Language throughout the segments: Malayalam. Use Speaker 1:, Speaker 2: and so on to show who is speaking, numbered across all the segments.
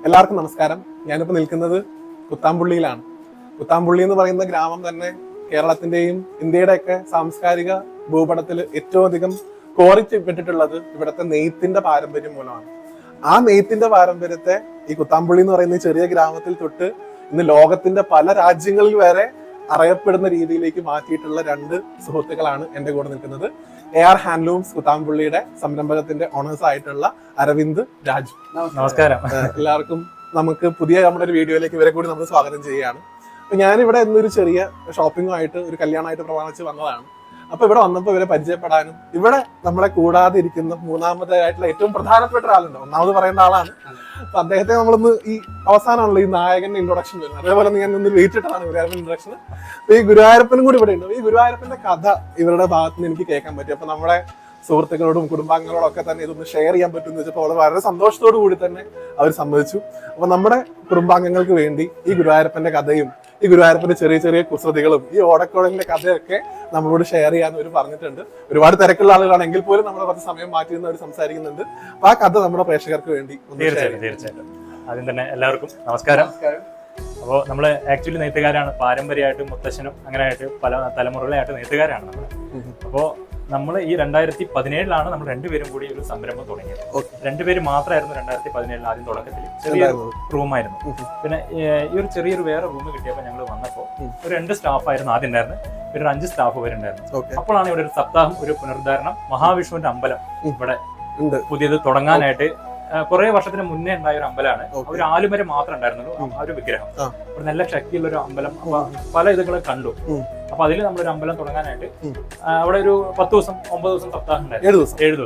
Speaker 1: എല്ലാവർക്കും നമസ്കാരം. ഞാനിപ്പോൾ നിൽക്കുന്നത് കുത്താമ്പുള്ളിയിലാണ്. കുത്താമ്പുള്ളി എന്ന് പറയുന്ന ഗ്രാമം തന്നെ കേരളത്തിന്റെയും ഇന്ത്യയുടെയൊക്കെ സാംസ്കാരിക ഭൂപടത്തിൽ ഏറ്റവും അധികം കോറിച്ചിപ്പെട്ടിട്ടുള്ളത് ഇവിടുത്തെ നെയ്ത്തിന്റെ പാരമ്പര്യം മൂലമാണ്. ആ നെയ്ത്തിന്റെ പാരമ്പര്യത്തെ ഈ കുത്താമ്പുള്ളി എന്ന് പറയുന്ന ചെറിയ ഗ്രാമത്തിൽ തൊട്ട് ഇന്ന് ലോകത്തിന്റെ പല രാജ്യങ്ങളിൽ വരെ അറിയപ്പെടുന്ന രീതിയിലേക്ക് മാറ്റിയിട്ടുള്ള രണ്ട് സുഹൃത്തുക്കളാണ് എന്റെ കൂടെ നിൽക്കുന്നത്. AR ഹാൻഡ്ലൂംസ് കുത്താമ്പുള്ളിയുടെ സംരംഭകത്തിന്റെ ഓണേഴ്സ് ആയിട്ടുള്ള അരവിന്ദ്, രാജു.
Speaker 2: നമസ്കാരം.
Speaker 1: എല്ലാവർക്കും നമുക്ക് പുതിയ നമ്മുടെ ഒരു വീഡിയോയിലേക്ക് ഇവരെ കൂടി നമ്മൾ സ്വാഗതം ചെയ്യുകയാണ്. അപ്പൊ ഞാനിവിടെ ഇന്നൊരു ചെറിയ ഷോപ്പിംഗുമായിട്ട് ഒരു കല്യാണമായിട്ട് പ്രമാണിച്ച് വന്നതാണ്. അപ്പൊ ഇവിടെ വന്നപ്പോൾ ഇവരെ പരിചയപ്പെടാനും ഇവിടെ നമ്മളെ കൂടാതെ ഇരിക്കുന്ന മൂന്നാമതായിട്ടുള്ള ഏറ്റവും പ്രധാനപ്പെട്ട ഒരാളുണ്ട്. ഒന്നാമത് പറയുന്ന ആളാണ്. അപ്പൊ അദ്ദേഹത്തെ നമ്മളൊന്ന് ഈ അവസാനമാണല്ലോ ഈ നായകന്റെ ഇൻട്രൊഡക്ഷൻ വരുന്നത്. അതേപോലെ ഞാൻ ഒന്ന് വെയിറ്റ് ഇട്ടതാണ് ഗുരുവായൂരപ്പൻ ഇൻട്രൊഡക്ഷൻ. അപ്പൊ ഈ ഗുരുവായൂരപ്പനും കൂടി ഇവിടെ ഉണ്ട്. ഈ ഗുരുവായൂരപ്പന്റെ കഥ ഇവരുടെ ഭാഗത്ത് നിന്ന് എനിക്ക് കേൾക്കാൻ പറ്റി. അപ്പൊ നമ്മുടെ സുഹൃത്തുക്കളോടും കുടുംബാംഗങ്ങളോടും ഒക്കെ തന്നെ ഇതൊന്ന് ഷെയർ ചെയ്യാൻ പറ്റുമെന്ന് വെച്ചപ്പോൾ അവൾ വളരെ സന്തോഷത്തോടു കൂടി തന്നെ അവർ സമ്മതിച്ചു. അപ്പൊ നമ്മുടെ കുടുംബാംഗങ്ങൾക്ക് വേണ്ടി ഈ ഗുരുവായൂരപ്പന്റെ കഥയും ഈ ഗുരുവായൂരപ്പന്റെ ചെറിയ ചെറിയ കുസൃതികളും ഈ ഓടക്കുഴലിന്റെ കഥയൊക്കെ നമ്മളോട് ഷെയർ ചെയ്യാന്ന് അവർ പറഞ്ഞിട്ടുണ്ട്. ഒരുപാട് തിരക്കുള്ള ആളുകളാണെങ്കിൽ പോലും നമ്മൾ കുറച്ച് സമയം മാറ്റി നിന്ന് അവർ സംസാരിക്കുന്നുണ്ട്. അപ്പൊ ആ കഥ നമ്മുടെ പ്രേക്ഷകർക്ക് വേണ്ടി
Speaker 2: തീർച്ചയായിട്ടും. ആദ്യം തന്നെ എല്ലാവർക്കും നമസ്കാരം. അപ്പോൾ നമ്മള് ആക്ച്വലി നെയ്ത്തുകാരാണ്. പാരമ്പര്യമായിട്ടും മുത്തശ്ശനും അങ്ങനെയായിട്ട് പല തലമുറകളായിട്ട് നെയ്ത്തുകാരാണ് നമ്മൾ. അപ്പോ നമ്മൾ ഈ 2017 നമ്മൾ രണ്ടുപേരും കൂടി ഒരു സംരംഭം തുടങ്ങിയത്. രണ്ടുപേരും മാത്രമായിരുന്നു 2017 ആദ്യം തുടക്കത്തിൽ. ചെറിയൊരു റൂമായിരുന്നു. പിന്നെ ഈ ഒരു ചെറിയൊരു വേറെ റൂം കിട്ടിയപ്പോൾ ഞങ്ങൾ വന്നപ്പോൾ ഒരു 2 സ്റ്റാഫായിരുന്നു ആദ്യം ഉണ്ടായിരുന്നത്. പിന്നെ ഒരു 5 സ്റ്റാഫ് വരുന്നുണ്ടായിരുന്നു. അപ്പോഴാണ് ഇവിടെ ഒരു സപ്താഹം, ഒരു പുനരുദ്ധാരണം, മഹാവിഷ്ണുവിന്റെ അമ്പലം ഇവിടെ പുതിയത് തുടങ്ങാനായിട്ട് കുറെ വർഷത്തിന് മുന്നേ ഉണ്ടായ ഒരു അമ്പലമാണ്. ഒരു ആലുമരം മാത്രം ഉണ്ടായിരുന്നുള്ളൂ ആ ഒരു വിഗ്രഹം. ഒരു നല്ല ശക്തിയുള്ള ഒരു അമ്പലം. അപ്പൊ പല ഇതുകളും കണ്ടു. അപ്പൊ അതിൽ നമ്മളൊരു അമ്പലം തുടങ്ങാനായിട്ട് അവിടെ ഒരു 10 ദിവസം 9 ദിവസം സപ്താഹം ഉണ്ടായിരുന്നു.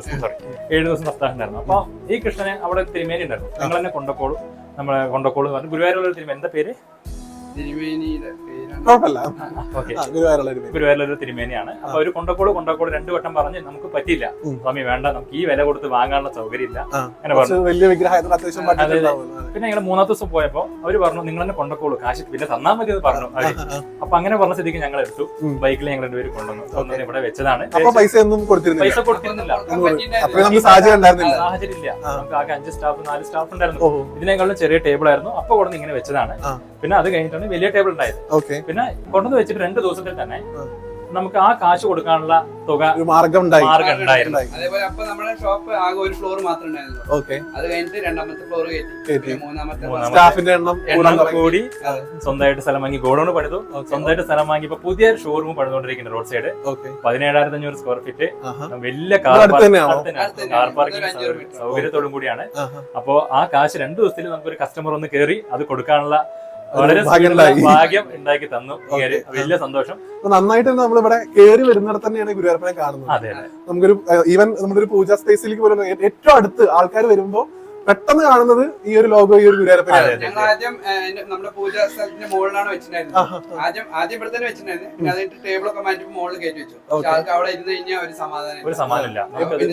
Speaker 2: 7 ദിവസം സപ്താഹം ഉണ്ടായിരുന്നു. അപ്പൊ ഈ കൃഷ്ണനെ അവിടെ തിരുമേനി ഉണ്ടായിരുന്നു. ഞങ്ങൾ തന്നെ കൊണ്ടക്കോളൂ, നമ്മളെ കൊണ്ടക്കോളൂ പറഞ്ഞു. ഗുരുവായൂരുള്ള തിരുമേനി, എന്താ പേര്? ഗുരുവായൂരുള്ള ഒരു തിരുമേനിയാണ്. അപ്പൊ ഒരു കൊണ്ടക്കോള് 2 വട്ടം പറഞ്ഞ് നമുക്ക് പറ്റിയില്ല സ്വാമി, വേണ്ട, നമുക്ക് ഈ വില കൊടുത്ത് വാങ്ങാനുള്ള സൗകര്യം ഇല്ല അങ്ങനെ പറഞ്ഞു. പിന്നെ ഞങ്ങൾ 3-ാമത്തെ ദിവസം പോയപ്പോ അവര് പറഞ്ഞു നിങ്ങൾ തന്നെ കൊണ്ടക്കോളൂ, കാശ് പിന്നെ തന്നാ മതി എന്ന് പറഞ്ഞു. അപ്പൊ അങ്ങനെ പറഞ്ഞ സ്ഥിതിക്ക് ഞങ്ങൾ എടുത്തു. ബൈക്കിൽ ഞങ്ങൾ 2 പേര് കൊണ്ടുവന്നു. ഇവിടെ വെച്ചതാണ്. പൈസ കൊടുത്തിരുന്നില്ല, സാഹചര്യം ഇല്ല. നമുക്ക് ആകെ 5 സ്റ്റാഫ് 4 സ്റ്റാഫ് ഉണ്ടായിരുന്നു. ഇതിനേക്കാളും ചെറിയ ടേബിൾ ആയിരുന്നു. അപ്പൊ കൊടുന്ന് ഇങ്ങനെ വെച്ചതാണ്. പിന്നെ അത് കഴിഞ്ഞിട്ടാണ് വലിയ ടേബിൾ ഉണ്ടായത്. പിന്നെ കൊണ്ടുവന്ന് വെച്ചിട്ട് 2 ദിവസത്തിൽ തന്നെ നമുക്ക് ആ കാശ് കൊടുക്കാനുള്ള തുക മാർഗം ഉണ്ടായിരുന്നു.
Speaker 3: അതേപോലെ അപ്പൊ നമ്മുടെ ഷോപ്പ് ആകെ ഒരു ഫ്ലോർ മാത്രമേ ഉണ്ടായിരുന്നുള്ളൂ. അത് കഴിഞ്ഞിട്ട് 2ാമത്തെ ഫ്ലോർ കയറ്റി 3ാമത്തെ
Speaker 1: സ്റ്റാഫിന്റെ എണ്ണം
Speaker 2: കൂടി സ്വന്തമായിട്ട് സ്ഥലം വാങ്ങി ഗോഡൌൺ പണിതു. സ്വന്തമായിട്ട് സ്ഥലം വാങ്ങി ഇപ്പൊ പുതിയ ഷോറൂം പണിതുകൊണ്ടിരിക്കുന്ന റോഡ് സൈഡ് 17,500 സ്ക്വയർ ഫീറ്റ് വലിയ കാർ പാർക്കിംഗ് സൗകര്യത്തോടും കൂടിയാണ്. അപ്പോ ആ കാശ് 2 ദിവസത്തിൽ നമുക്കൊരു കസ്റ്റമർ ഒന്ന് കയറി അത് കൊടുക്കാനുള്ള വളരെ ഭാഗ്യം ഉണ്ടാക്കി തന്നു. വലിയ സന്തോഷം.
Speaker 1: നന്നായിട്ട് തന്നെ നമ്മളിവിടെ കയറി വരുന്നിടത്ത് തന്നെയാണ് ഗുരുവായൂരപ്പനെ കാണുന്നത്. നമുക്കൊരു ഈവൻ നമ്മുടെ ഒരു പൂജാ സ്പേസിലേക്ക് പോലും ഏറ്റവും അടുത്ത് ആൾക്കാർ വരുമ്പോ പെട്ടെന്ന് കാണുന്നത് ഈ ഒരു ലോഗോ, ഈ ഒരു ഗുരുവായൂരപ്പനാണ്.
Speaker 3: ഞങ്ങൾ ആദ്യം നമ്മുടെ പൂജാ സ്ഥലത്തിന്റെ മുകളിലാണ് വെച്ചിട്ടുണ്ടായിരുന്നത്. ആദ്യം ഇവിടെ തന്നെ വെച്ചിട്ടുണ്ടായിരുന്നു. പിന്നെ അതിന്റെ ടേബിളൊക്കെ മാറ്റി മുകളിൽ കയറ്റി വെച്ചു. ആൾക്ക് അവിടെ ഇരുന്ന് കഴിഞ്ഞാൽ ഒരു സമാധാനമില്ല.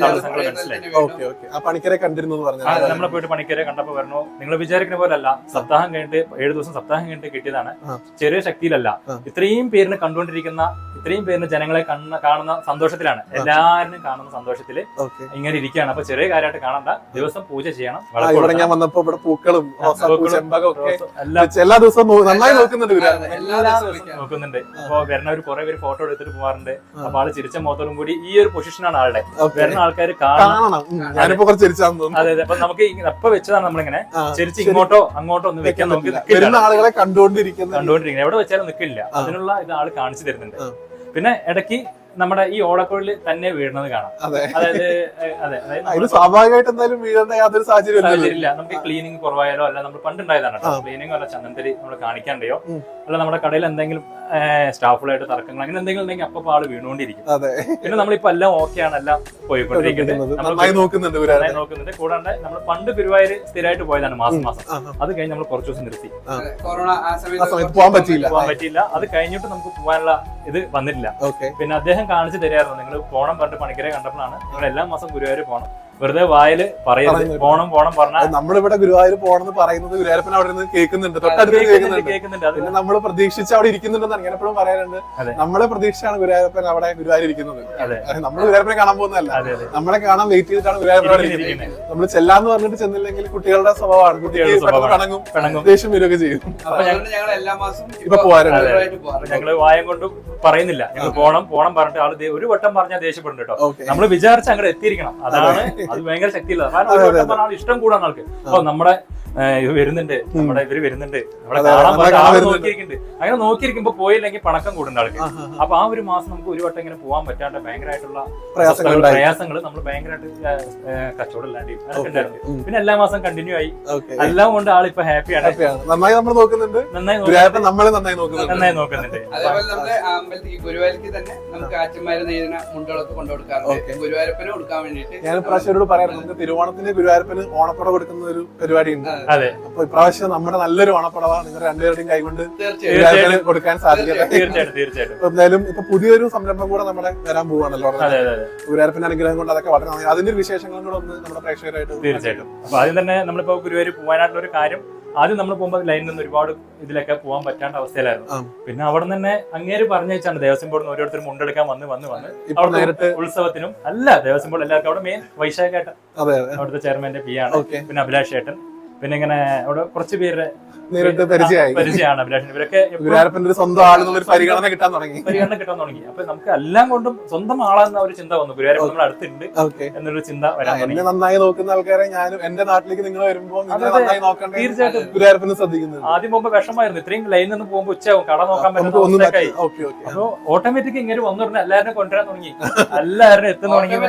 Speaker 1: ആ പണിക്കരെ കണ്ടിരുന്നു പറഞ്ഞു.
Speaker 2: നമ്മളെ പോയിട്ട് പണിക്കരെ കണ്ടപ്പോ പറഞ്ഞു, നിങ്ങൾ വിചാരിക്കുന്ന പോലെ അല്ല, സപ്താഹം കഴിഞ്ഞിട്ട് 7 ദിവസം സപ്താഹം കഴിഞ്ഞിട്ട് കിട്ടിയതാണ്. ചെറിയ ശക്തിയിലല്ല. ഇത്രയും പേരിന് കണ്ടുകൊണ്ടിരിക്കുന്ന, ഇത്രയും പേരിന് ജനങ്ങളെ കാണുന്ന സന്തോഷത്തിലാണ്, എല്ലാവരും കാണുന്ന സന്തോഷത്തില് ഇങ്ങനെ ഇരിക്കുകയാണ്. അപ്പൊ ചെറിയ കാര്യമായിട്ട് കാണണ്ട, ദിവസം പൂജ ചെയ്യണം.
Speaker 1: ഇവിടെ ഞാൻ വന്നപ്പോ ഇവിടെ പൂക്കളും ചെമ്പകം ഒക്കെ എല്ലാ ദിവസവും നന്നായി നോക്കുന്നുണ്ട്.
Speaker 2: അപ്പൊ വരുന്നവർ കുറെ പേര് ഫോട്ടോ എടുത്തിട്ട് പോകാറുണ്ട്. അപ്പൊ ആള് ചിരിച്ച മുഖത്തോടും കൂടി ഈ ഒരു പൊസിഷനാണ് ആളുടെ. വരുന്ന ആൾക്കാർ കാണണം.
Speaker 1: ഞാനിപ്പോ കുറച്ച് ചിരിച്ചാന്ന്.
Speaker 2: അതെ അതെ. അപ്പൊ നമുക്ക് എപ്പോ വെച്ചതാണ് നമ്മളിങ്ങനെ ചിരിച്ച് ഇങ്ങോട്ടോ അങ്ങോട്ടോ ഒന്ന് വെക്കാൻ നമുക്ക്
Speaker 1: ആളുകളെ കണ്ടുകൊണ്ടിരിക്കുന്നത്
Speaker 2: എവിടെ വെച്ചാലും നിൽക്കില്ല. അതിനുള്ള ഇത് ആള് കാണിച്ചു തരുന്നുണ്ട്. പിന്നെ ഇടയ്ക്ക് നമ്മുടെ ഈ ഓടക്കുഴലിൽ തന്നെ വീഴുന്നത് കാണാം.
Speaker 1: അതായത് സ്വാഭാവികമായിട്ട് എന്തായാലും വീഴേണ്ട യാതൊരു സാഹചര്യം
Speaker 2: ഇല്ല. നമുക്ക് ക്ലീനിങ് കുറവായാലോ, അല്ല നമ്മൾ പണ്ടുണ്ടായതാണ് ക്ലീനിങ്, അല്ല ചന്ദനത്തിരി നമ്മൾ കാണിക്കാണ്ടയോ, അല്ല നമ്മുടെ കടയിൽ എന്തെങ്കിലും സ്റ്റാഫുകളായിട്ട് തർക്കങ്ങൾ അങ്ങനെ എന്തെങ്കിലും ഉണ്ടെങ്കിൽ അപ്പൊ ആള് വീണുകൊണ്ടിരിക്കും. പിന്നെ നമ്മളിപ്പോ എല്ലാം ഓക്കെയാണ്, എല്ലാം പോയിക്കൊണ്ടിരിക്കുന്നത്, നോക്കുന്നുണ്ട്. കൂടാണ്ട് നമ്മൾ പണ്ട് ഗുരുവായൂർ സ്ഥിരമായിട്ട് പോയതാണ് മാസം. അത് കഴിഞ്ഞ് നമ്മൾ കുറച്ച് ദിവസം നിർത്തി.
Speaker 3: കൊറോണ
Speaker 2: പോകാൻ പറ്റിയില്ല. അത് കഴിഞ്ഞിട്ട് നമുക്ക് പോകാനുള്ള ഇത് വന്നിട്ടില്ല. പിന്നെ അദ്ദേഹം കാണിച്ചു തരായിരുന്നു, നിങ്ങൾ പോണം പറഞ്ഞിട്ട് പണിക്കരെ കണ്ടപ്പോഴാണ് നിങ്ങൾ എല്ലാ മാസം ഗുരുവായൂർ പോകണം, വെറുതെ വായില് പറയരുത് പോണം പോണം പറഞ്ഞാൽ
Speaker 1: നമ്മളിവിടെ ഗുരുവായൂർ പോണെന്ന് പറയുന്നത് ഗുരുവായൂരപ്പൻ അവിടെ നിന്ന് കേൾക്കുന്നുണ്ട്, തൊട്ടടുത്ത് കേൾക്കുന്നുണ്ട്.
Speaker 2: അത്
Speaker 1: പിന്നെ നമ്മൾ പ്രതീക്ഷിച്ച് അവിടെ ഇരിക്കുന്നുണ്ടെന്ന് അങ്ങനെ എപ്പോഴും പറയാറുണ്ട്. നമ്മളെ പ്രതീക്ഷയാണ് ഗുരുവായൂരപ്പൻ അവിടെ ഗുരുവായൂർ ഇരിക്കുന്നത്. നമ്മൾ ഗുരുവായൂരപ്പനെ കാണാൻ പോകുന്നതല്ല, നമ്മളെ കാണാൻ വെയിറ്റ് ചെയ്തിട്ടാണ് ഗുരുവായൂരപ്പൻ അവിടെ ഇരിക്കുന്നത്. നമ്മൾ ചെല്ലാന്ന് പറഞ്ഞിട്ട് ചെന്നില്ലെങ്കിൽ കുട്ടികളുടെ സ്വഭാവമാണ്, കുട്ടികൾ പിണങ്ങും, ദേഷ്യം വരികയൊക്കെ ചെയ്യും. ഇപ്പൊ പോകാറുണ്ട്.
Speaker 2: ഞങ്ങള് വായം കൊണ്ടും പറയുന്നില്ല, ഞങ്ങൾ പോണം പോണം പറഞ്ഞിട്ട് ആള് ഒരു വട്ടം പറഞ്ഞാൽ ദേഷ്യപ്പെടുന്നുണ്ട് കേട്ടോ. നമ്മൾ വിചാരിച്ച അങ്ങോട്ട് എത്തിയിരിക്കണം, അതാണ് അത് ഭയങ്കര ശക്തിയില്ല. കാരണം ഒരു വട്ടം പറഞ്ഞാൽ ഇഷ്ടം കൂടാൻ ആൾക്ക്. അപ്പൊ നമ്മുടെ ഇത് വരുന്നുണ്ട്, നമ്മുടെ ഇവര് വരുന്നുണ്ട്, നമ്മളെ കാണാൻ നോക്കിയിരിക്കുന്നുണ്ട്. അങ്ങനെ നോക്കിയിരിക്കുമ്പോ പോയില്ലെങ്കിൽ പണക്കം കൂടുന്ന ആൾക്ക്. അപ്പൊ ആ ഒരു മാസം നമുക്ക് ഒരു വട്ടം ഇങ്ങനെ പോകാൻ പറ്റാണ്ട് ഭയങ്കരമായിട്ടുള്ള പ്രയാസങ്ങൾ നമ്മൾ ഭയങ്കരമായിട്ട് കച്ചവടം ഇല്ലാണ്ട് അതൊക്കെ ഉണ്ടായിരുന്നു. പിന്നെ എല്ലാ മാസം കണ്ടിന്യൂ ആയി, എല്ലാം കൊണ്ട് ആളിപ്പോ ഹാപ്പിയാണ്,
Speaker 1: നന്നായി നമ്മൾ നോക്കുന്നുണ്ട്,
Speaker 2: നന്നായി നോക്കുന്നുണ്ട്.
Speaker 3: അതേപോലെ നമ്മുടെ അമ്പലത്തിൽ ഗുരുവായൂർക്ക് തന്നെ നമുക്ക് ആച്ചന്മാരെ നെയ്യുന്ന മുണ്ടുകളൊക്കെ കൊണ്ടുകൊടുക്കാറുണ്ട്, ഗുരുവായൂരപ്പന് കൊടുക്കാൻ വേണ്ടിട്ട്.
Speaker 1: ഞാൻ ഇപ്രാവശ്യം പറയാറുണ്ട്, നമുക്ക് തിരുവോണത്തിന് ഗുരുവായൂരപ്പന് ഓണപ്പട കൊടുക്കുന്ന ഒരു പരിപാടി ഉണ്ട്.
Speaker 2: അതെ,
Speaker 1: അപ്പൊ ഇപ്രാവശ്യം നമ്മുടെ നല്ലൊരു ഓണപ്പടവ നിങ്ങൾ രണ്ടുപേരുടെയും കൈകൊണ്ട് കൊടുക്കാൻ സാധിക്കട്ടെ.
Speaker 2: തീർച്ചയായിട്ടും.
Speaker 1: എന്തായാലും ഇപ്പൊ പുതിയൊരു സംരംഭം കൂടെ നമ്മുടെ വരാൻ പോവാണല്ലോ, ഗുരുവായൂരപ്പന്റെ അനുഗ്രഹം കൊണ്ട് അതൊക്കെ വളരെ നന്നായി. അതിന്റെ ഒരു വിശേഷങ്ങളും കൂടെ ഒന്ന് നമ്മുടെ പ്രേക്ഷകരായിട്ട്.
Speaker 2: തീർച്ചയായിട്ടും. അപ്പൊ ആദ്യം തന്നെ നമ്മളിപ്പോ ഗുരുവായൂർ പോകാനായിട്ടുള്ള ഒരു കാര്യം, ആദ്യം നമ്മൾ പോകുമ്പോൾ ലൈനിൽ നിന്ന് ഒരുപാട് ഇതിലൊക്കെ പോകാൻ പറ്റാണ്ട അവസ്ഥയിലായിരുന്നു. പിന്നെ അവിടെ തന്നെ അങ്ങേര് പറഞ്ഞു വെച്ചാണ് ദേവസ്വം ബോർഡിൽ ഓരോരുത്തരും മുണ്ടെടുക്കാൻ വന്ന് അവിടെ ഉത്സവത്തിനും അല്ല ദേവസ്വം ബോർഡ് എല്ലാവർക്കും അവിടെ മെയിൻ വൈശാഖേട്ടൻ അവിടുത്തെ ചെയർമാന്റെ പി ആണ്, പിന്നെ അഭിലാഷ് ഏട്ടൻ, പിന്നെ ഇങ്ങനെ അവിടെ കുറച്ച് പേരുടെ
Speaker 1: നേരിട്ട് പരിചയമാണ്
Speaker 2: അഭിലാഷൻ. ഇവരൊക്കെ
Speaker 1: ഗുരുവായൂരപ്പന്റെ സ്വന്തം ആളെന്നുള്ള പരിഗണന കിട്ടാൻ തുടങ്ങി.
Speaker 2: അപ്പൊ നമുക്ക് എല്ലാം കൊണ്ടും സ്വന്തം ആളെന്ന ഒരു ചിന്ത വന്നു, ഗുരുവായൂരപ്പൻ നമ്മുടെ അടുത്തുണ്ട് എന്നൊരു ചിന്ത വരാൻ തുടങ്ങി.
Speaker 1: എന്നെ നന്നായി നോക്കുന്ന ആൾക്കാരെ ഞാനും എന്റെ നാട്ടിലേക്ക് നിങ്ങൾ വരുമ്പോൾ നന്നായി നോക്കണ്ടേ, തീർച്ചയായിട്ടും ഗുരുവായൂരപ്പനെ ശ്രദ്ധിക്കുന്നത്.
Speaker 2: ആദ്യം പോകുമ്പോ വിഷമായിരുന്നു, ഇത്രയും ലൈനിൽ നിന്ന് പോകുമ്പോ ഉച്ചയാവും, കട നോക്കാൻ പറ്റുന്ന. അപ്പൊ ഓട്ടോമാറ്റിക് ഇങ്ങനെ വന്നു പറഞ്ഞാൽ എല്ലാവരും കൊണ്ടുവരാൻ തുടങ്ങി, എല്ലാവരും എത്തുന്ന തുടങ്ങി.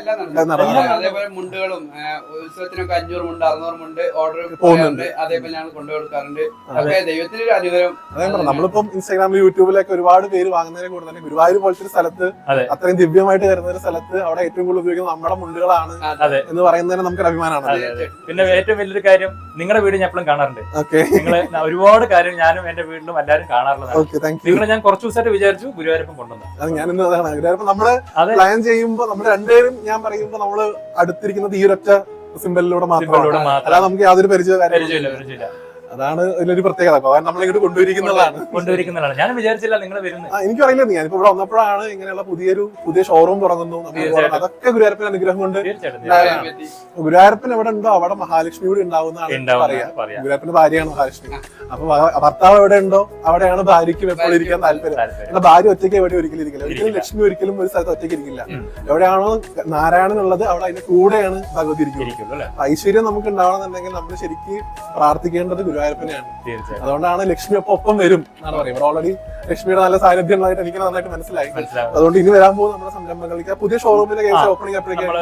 Speaker 3: അതേപോലെ മുണ്ടുകളും ഉത്സവത്തിനൊക്കെ 500 മുണ്ട് 600 മുണ്ട് ഓർഡർ പോകുന്നുണ്ട്, അതേപോലെ ഞങ്ങൾ കൊണ്ടുകൊടുക്കാറുണ്ട്. ദൈവത്തിന്റെ ഒരു അനുഗ്രഹം.
Speaker 1: നമ്മളിപ്പം ഇൻസ്റ്റാഗ്രാമിൽ യൂട്യൂബിലൊക്കെ ഒരുപാട് പേര് വാങ്ങുന്നതിനെ കൂടെ തന്നെ ഗുരുവായൂർ പോലത്തെ ഒരു സ്ഥലത്ത്, അത്രയും ദിവ്യമായിട്ട് വരുന്ന ഒരു സ്ഥലത്ത് അവിടെ ഏറ്റവും കൂടുതൽ ഉപയോഗിക്കുന്നത് നമ്മുടെ മുണ്ടുകളാണ് എന്ന് പറയുന്നതിന് നമുക്കൊരു അഭിമാനമാണ്.
Speaker 2: പിന്നെ ഏറ്റവും വലിയൊരു കാര്യം, നിങ്ങളുടെ വീട് ഞാൻ എപ്പോഴും കാണാറുണ്ട്. നിങ്ങള് ഒരുപാട് കാര്യം ഞാനും എന്റെ വീട്ടിലും എല്ലാവരും കാണാറുള്ളതാണ്. നിങ്ങളെ ഞാൻ കുറച്ചു ദിവസമായിട്ട് വിചാരിച്ചു ഗുരുവായൂരപ്പൻ കൊണ്ടുവന്നു.
Speaker 1: ഞാനിന്ന് അതാണ് ഗുരുവായൂരപ്പൻ നമ്മള് പ്ലാൻ ചെയ്യുമ്പോ നമ്മൾ രണ്ടുപേരും ഞാൻ പറയുമ്പോ നമ്മള് അടുത്തിരിക്കുന്നത് ഈ ഒരൊറ്റ സിംബലിലൂടെ മാത്രമാണ്, അല്ലാതെ നമുക്ക് യാതൊരു പരിചയമില്ല. അതാണ് ഇതിലൊരു പ്രത്യേകത, നമ്മളിങ്ങോട്ട് കൊണ്ടുവരിക്കുന്നതാണ്.
Speaker 2: ഞാൻ വിചാരിച്ചില്ല നിങ്ങൾ വരുന്നത്.
Speaker 1: എനിക്കറിയില്ല, ഞാനിപ്പോ ഇവിടെ വന്നപ്പോഴാണ് ഇങ്ങനെയുള്ള പുതിയ ഷോറൂം തുടങ്ങുന്നു, അതൊക്കെ ഗുരുവായൂരപ്പൻ അനുഗ്രഹം കൊണ്ട്. ഗുരുവായൂരപ്പൻ എവിടെ ഉണ്ടോ അവിടെ മഹാലക്ഷ്മി കൂടി ഉണ്ടാവുന്നതാണ് പറയാ. ഗുരുവായൂരപ്പന്റെ ഭാര്യയാണ് മഹാലക്ഷ്മി. അപ്പൊ ഭർത്താവ് എവിടെ ഉണ്ടോ അവിടെയാണ് ഭാര്യയ്ക്കും എപ്പോഴും ഇരിക്കാൻ താല്പര്യം. ഭാര്യ ഒറ്റയ്ക്ക് എവിടെ ഒരിക്കലും ഇരിക്കില്ല, ഒരിക്കലും ലക്ഷ്മി ഒരിക്കലും ഒരു സ്ഥലത്ത് ഒറ്റയ്ക്ക് ഇരിക്കില്ല. എവിടെയാണോ നാരായണൻ ഉള്ളത് അവിടെ അതിന്റെ കൂടെയാണ് ഭഗവതി ഇരിക്കുന്നത്. ഐശ്വര്യം നമുക്ക് ഉണ്ടാവണമെന്നുണ്ടെങ്കിൽ നമ്മൾ ശരിക്കും പ്രാർത്ഥിക്കേണ്ടത് ഗുരുവായൂരപ്പനെയാണ്. അതുകൊണ്ടാണ് ലക്ഷ്മി ഒപ്പം വരും എന്നാണ് പറയുന്നത്. ഇവിടെ ഓൾറെഡി ലക്ഷ്മിയുടെ നല്ല സാന്നിധ്യം ഉള്ളതായിട്ട് എനിക്ക് നന്നായിട്ട് മനസ്സിലായി. അതുകൊണ്ട് ഇനി വരാൻ പോകുന്ന നമ്മുടെ സംരംഭങ്ങൾക്ക് പുതിയ ഷോറൂമിലെ ഓപ്പണിംഗ്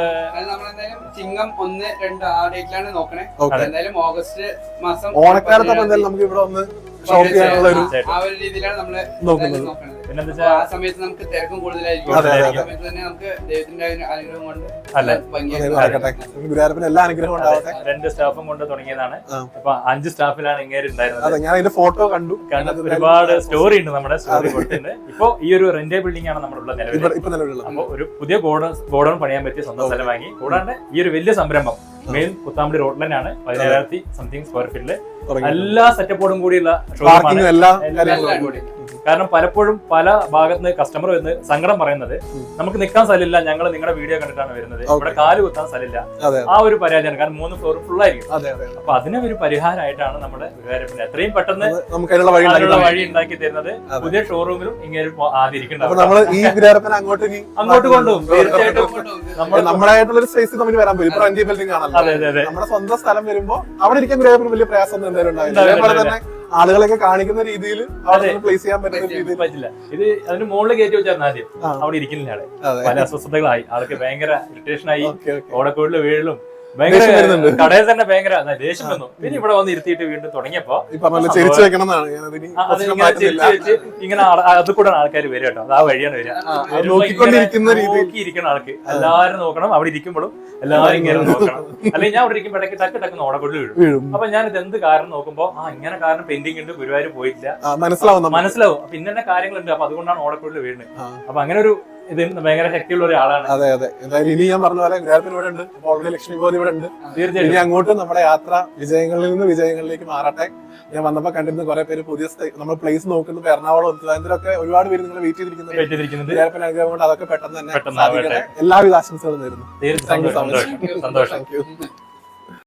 Speaker 3: ചിങ്ങം 1, 2 ആ ഡേറ്റിലാണ് നോക്കണേ. എന്തായാലും ഓഗസ്റ്റ് മാസം
Speaker 1: ഓണക്കാലത്ത് എന്തായാലും നമുക്ക് ഇവിടെ ഒന്ന് ഷോപ്പ് ചെയ്യാനുള്ള
Speaker 3: ആ ഒരു രീതിയിലാണ് നമ്മള് നോക്കുന്നത്. ആ സമയത്ത് നമുക്ക് തിരക്കും കൂടുതലായിരിക്കും. സമയത്ത് തന്നെ നമുക്ക് ദൈവത്തിന്റെ അനുഗ്രഹം കൊണ്ട്
Speaker 1: ഗുരുവായൂരപ്പന് എല്ലാ അനുഗ്രഹവും ഉണ്ടാവട്ടെ.
Speaker 2: 2 സ്റ്റാഫും കൊണ്ട് തുടങ്ങിയതാണ്. അപ്പൊ 5 സ്റ്റാഫിലാണ് ഇങ്ങനെ ഉണ്ടായിരുന്നത്.
Speaker 1: ഞാൻ അതിന്റെ ഫോട്ടോ കണ്ടു.
Speaker 2: ഒരുപാട് സ്റ്റോറി ഉണ്ട് നമ്മുടെ സ്റ്റോറി കൊടുത്തിട്ടുണ്ട്. ഇപ്പൊ ഈ ഒരു റെന്റേ ബിൽഡിംഗ് ആണ് നമ്മുടെ നിലവിലുള്ളത്. അപ്പൊ ഒരു പുതിയ ഗോഡൌൺ പണിയാൻ പറ്റിയ സ്വന്തം സ്ഥലം വാങ്ങി. കൂടാണ്ട് ഈ ഒരു വലിയ സംരംഭം മെയിൻ കുത്താമ്പടി റോഡിൽ തന്നെയാണ് 17,000 സംതിങ് സ്ക്വയർ ഫീറ്റില് എല്ലാ സെറ്റപ്പോടും കൂടിയുള്ള കാരണം പലപ്പോഴും പല ഭാഗത്തുനിന്ന് കസ്റ്റമർ വന്ന് സങ്കടം പറയുന്നത് നമുക്ക് നിൽക്കാൻ സ്ഥലമില്ല, ഞങ്ങൾ നിങ്ങളുടെ വീഡിയോ കണ്ടിട്ടാണ് വരുന്നത്, ഇവിടെ കാല് കുത്താൻ സ്ഥലമില്ല, ആ ഒരു പരാതിയാണ്. കാരണം 3 ഫ്ലോർ ഫുൾ ആയിരിക്കും. അപ്പൊ അതിന് ഒരു പരിഹാരമായിട്ടാണ് നമ്മുടെ ഗുരുവായൂരപ്പൻ എത്രയും പെട്ടെന്ന് വഴി ഉണ്ടാക്കി തരുന്നത്. പുതിയ ഷോറൂമിലും ഇങ്ങനെ ആദ്യം അങ്ങോട്ട് കൊണ്ടുപോകും. തീർച്ചയായിട്ടും
Speaker 1: നമ്മളായിട്ടുള്ള സ്പേസ് തമ്മിൽ വരാൻ പറ്റും. നമ്മുടെ സ്വന്തം സ്ഥലം വരുമ്പോ അവിടെ ഇരിക്കാൻ ഗുരുവായൂരപ്പന് വലിയ പ്രയാസം എന്തായാലും ഉണ്ടാവില്ല. ആളുകളൊക്കെ കാണിക്കുന്ന രീതിയിൽ പ്ലേസ് ചെയ്യാൻ
Speaker 2: പറ്റില്ല. ഇത് അതിന് മുകളിൽ കയറ്റി വെച്ചായിരുന്നു ആദ്യം. അവിടെ ഇരിക്കുന്നില്ല ആളെ. പല അസ്വസ്ഥതകളായി, ആൾക്ക് ഭയങ്കര ഇറിറ്റേഷൻ ആയി, ഓടക്കൂടില് വീഴലും ഭയങ്കര കടയിൽ തന്നെ ഭയങ്കര ദേഷ്യം വന്നു. പിന്നെ ഇവിടെ വന്ന് ഇരുത്തിയിട്ട് വീണ്ടും തുടങ്ങിയപ്പോ ഇങ്ങനെ അത് കൂടെ ആൾക്കാർ വരും കേട്ടോ. അത് ആ വഴിയാണ് വരിക. നോക്കിയിരിക്കുന്ന ആൾക്ക് എല്ലാവരും നോക്കണം. അവിടെ ഇരിക്കുമ്പോഴും എല്ലാവരും ഇങ്ങനെ നോക്കണം. അല്ലെങ്കിൽ ഞാൻ അവിടെ ഇരിക്കുമ്പോൾ ഇടയ്ക്ക് ടക്ക് ടക്ക് ഓടക്കൂടിൽ വീഴും. അപ്പൊ ഞാൻ ഇത് എന്ത് കാരണം നോക്കുമ്പോ ഇങ്ങനെ കാരണം പെൻഡിങ് ഉണ്ട്, ഗുരുവായൂർ പോയിട്ടില്ല മനസ്സിലാവും. അപ്പൊ ഇന്നെ കാര്യങ്ങളുണ്ട്, അപ്പൊ അതുകൊണ്ടാണ് ഓടക്കൂടിൽ വീഴുന്നത്. അപ്പൊ അങ്ങനെ ഒരു ഇത് ഭയങ്കര ശക്തിയുള്ള ഒരാളാണ്.
Speaker 1: അതെ അതെ, എന്തായാലും ഇനി ഞാൻ പറഞ്ഞ പോലെ ഗുരുവായൂരപ്പൻ ഇവിടെ ഉണ്ട്, ഓൾറെഡി ലക്ഷ്മി ഗോതി ഇവിടെ ഉണ്ട്.
Speaker 2: തീർച്ചയായിട്ടും
Speaker 1: ഇനി അങ്ങോട്ട് നമ്മുടെ യാത്ര വിജയങ്ങളിൽ നിന്ന് വിജയങ്ങളിലേക്ക് മാറട്ടെ. ഞാൻ വന്നപ്പോ കണ്ടിരുന്ന കുറെ പേര് പുതിയ നമ്മൾ പ്ലേസ് നോക്കുന്നു, എറണാകുളം തിരുവനന്തപുരമൊക്കെ ഒരുപാട് പേര് നിങ്ങൾ വെയിറ്റ് ചെയ്തിരിക്കുന്നത്. ഗുരുവായൂരപ്പൻ അനുഗ്രഹം കൊണ്ട് അതൊക്കെ പെട്ടെന്ന് തന്നെ സാധിക്കട്ടെ. എല്ലാവിധ ആശംസകളും നേരുന്നു.
Speaker 2: തീർച്ചയായും സന്തോഷം.
Speaker 1: Thank U.